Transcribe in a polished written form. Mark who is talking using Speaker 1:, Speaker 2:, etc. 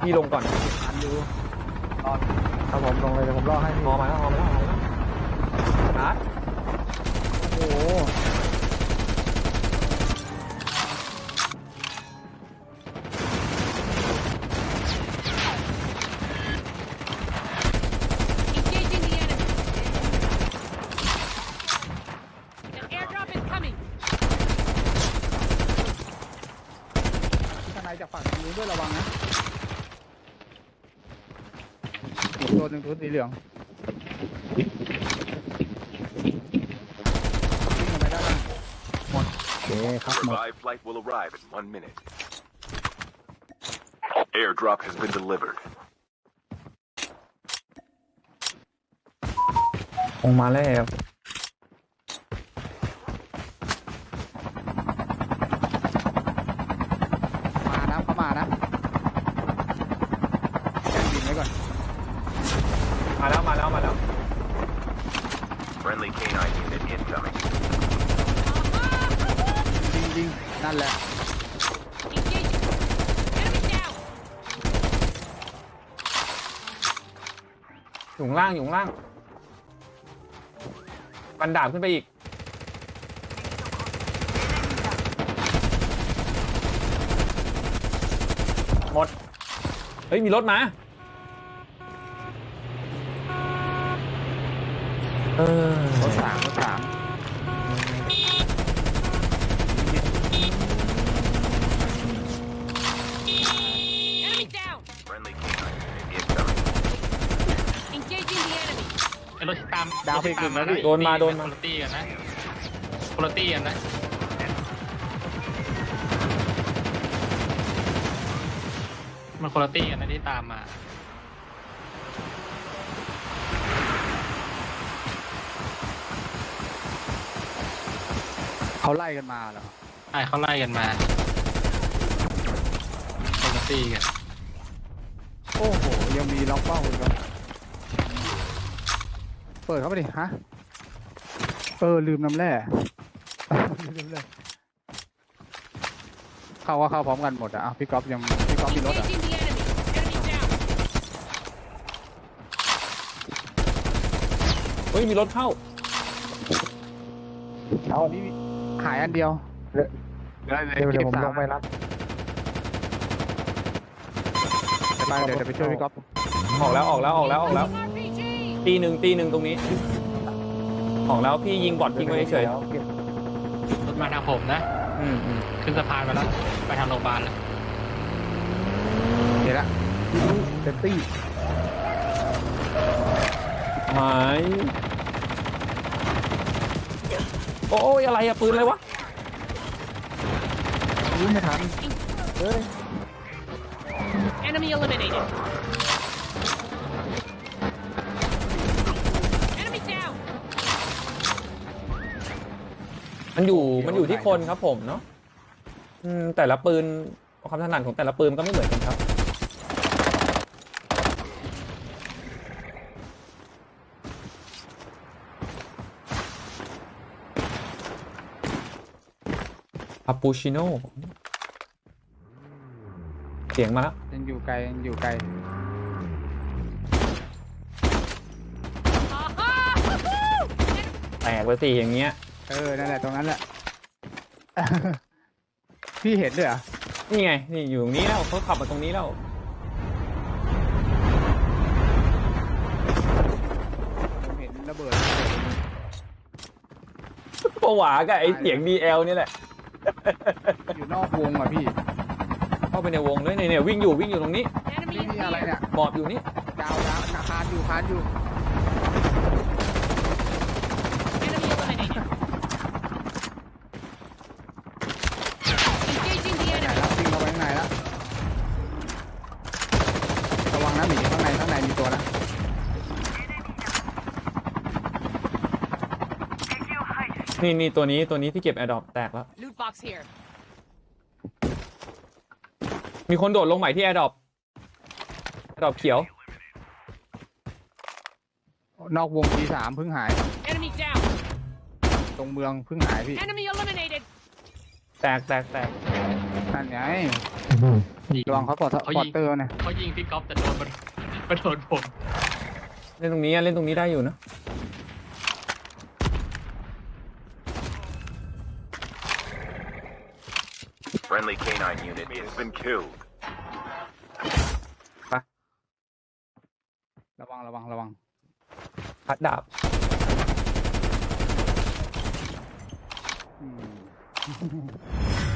Speaker 1: พี่ลงก่อน
Speaker 2: ทันอยู่รอดครับผมลงเลยเดี๋ยวผมรอให้พี่
Speaker 1: มอมาแล้วมอมาแล้วมอมาแล้วชาร์จ
Speaker 2: โอ้โห
Speaker 3: Engaging the enemy. An airdrop is coming.
Speaker 2: ข้างในจากฝั่งนู้นด้วยระวังนะอีกตัวหนึ่งตัวสีเหลืองวิ่งออกไปด้านล่างหมดโอเคครับหมด
Speaker 4: Revived flight will arrive in 1 minute. Airdrop has been delivered.
Speaker 1: ลงมาแล้ว
Speaker 2: มานะเขามานะแจ้งบินไว้ก่อน
Speaker 1: มาแล้วมาแล้วมาแล้ว
Speaker 4: Friendly canine unit incoming.
Speaker 2: ยิงนั่นแหละ
Speaker 3: Engaging. Enemy down.
Speaker 1: อยู่ข้างล่างอยู่ข้างล่างบันดาบขึ้นไปอีกหมดเฮ้ยมีรถมา
Speaker 2: รถสาม
Speaker 3: Enemy down.
Speaker 4: Friendly canine unit incoming.
Speaker 3: Engaging the enemy.
Speaker 5: ไอ้รถที่ตาม
Speaker 2: ดาวเพลงหนึ่งแล้วพี่
Speaker 1: โดนมาโดนมา
Speaker 5: คุณตี้กันนะคุณตี้กันนะมันคุณตี้กันนะที่ตามมา
Speaker 2: เขาไล่กันมาเหรอ
Speaker 5: ใช่เขาไล่กันมาคุณตี้กัน
Speaker 2: โอ้โหยังมีล็อกเป้าอีกเหรอเปิดเข้าไปดิฮะลืมน้ำแร่ ลืมเลยเข้าก็เข้าพร้อมกันหมดอะพี่ก๊อฟมีรถอะ
Speaker 3: Engaging the enemy. Enemy down.
Speaker 1: เฮ้ยมีรถเข้า
Speaker 2: เอาอันนี้หายอันเดียวเดี๋ยวผมลงไปรับเดี๋ยวไปช่วยพี่ก๊อฟ
Speaker 1: ออกแล้วออกแล้วออกแล้วออกแล้ว
Speaker 3: RPG.
Speaker 1: ตีหนึ่งตรงนี้ออกแล้วพี่ยิงบอททิ้งไว้เฉย
Speaker 5: รถมาทางผมนะ
Speaker 1: อืม
Speaker 5: ขึ้นสะพานไปแล้ว ไปทางโรงพยาบาลแล้ว
Speaker 2: เห็นละเซฟตี้
Speaker 1: หายโอ้ยอะไรอะปืนอะไรวะ
Speaker 2: ยิงไม่ทันเฮ้ย
Speaker 3: Enemy eliminated. Enemy down.
Speaker 1: มันอยู่ที่คนครับผมเนาะแต่ละปืนความถนัดของแต่ละปืนก็ไม่เหมือนกันครับคาปูชิโน่เสียงมาแล้ว
Speaker 2: ยังอยู่ไกล
Speaker 3: Aha! Woohoo!
Speaker 1: แตกไปสิอย่างเงี้ย
Speaker 2: นั่นแหละตรงนั้นแหละ พี่เห็นด้วยเหรอ
Speaker 1: นี่ไงนี่อยู่ตรงนี้แล้วเขาขับมาตรงนี้แล้ว
Speaker 2: ผมเห็นระเบิด
Speaker 1: ผวากับไอเสียง DL นี่แหละ
Speaker 2: อยู่นอกวงอ่ะพี่
Speaker 1: เข้าไปในวงด้วยเนี่ยวิ่งอยู่ตรงนี้
Speaker 3: Enemy
Speaker 2: นี่
Speaker 3: is
Speaker 2: อะไร
Speaker 3: here.
Speaker 2: เนี่ย
Speaker 1: บอดอยู่นี่
Speaker 2: ดาวคานอยู่
Speaker 3: Enemy eliminated. Engaging the
Speaker 2: ไหน
Speaker 3: enemy.
Speaker 2: แล้ววิ่งเข้าไปข้างในแล้วระวังนะหมีข้างในมีตัวนะ
Speaker 1: นี่ตัวนี้ที่เก็บแอร์ดรอปแตกแล้ว
Speaker 3: Loot box here.
Speaker 1: มีคนโดดลงใหม่ที่แอร์ดรอปเขียว
Speaker 2: นอกวงที่3เพิ่งหาย
Speaker 3: Enemy down.
Speaker 2: ตรงเมืองเพิ่งหายพี่
Speaker 3: Enemy eliminated.
Speaker 1: แตก
Speaker 2: นั่นไง
Speaker 5: ยิง
Speaker 2: ระวังเขาปอด
Speaker 5: เขา
Speaker 2: ปอ
Speaker 5: ยิ
Speaker 2: ด
Speaker 5: ง
Speaker 2: เตอร์นะ
Speaker 5: เขายิงพี่ก๊อฟแต่โดนมันโดนผม
Speaker 1: เล่นตรงนี้เล่นตรงนี้ได้อยู่นะ
Speaker 4: Friendly canine unit has been killed.
Speaker 2: ระวัง
Speaker 1: พัดดาบ
Speaker 2: อืม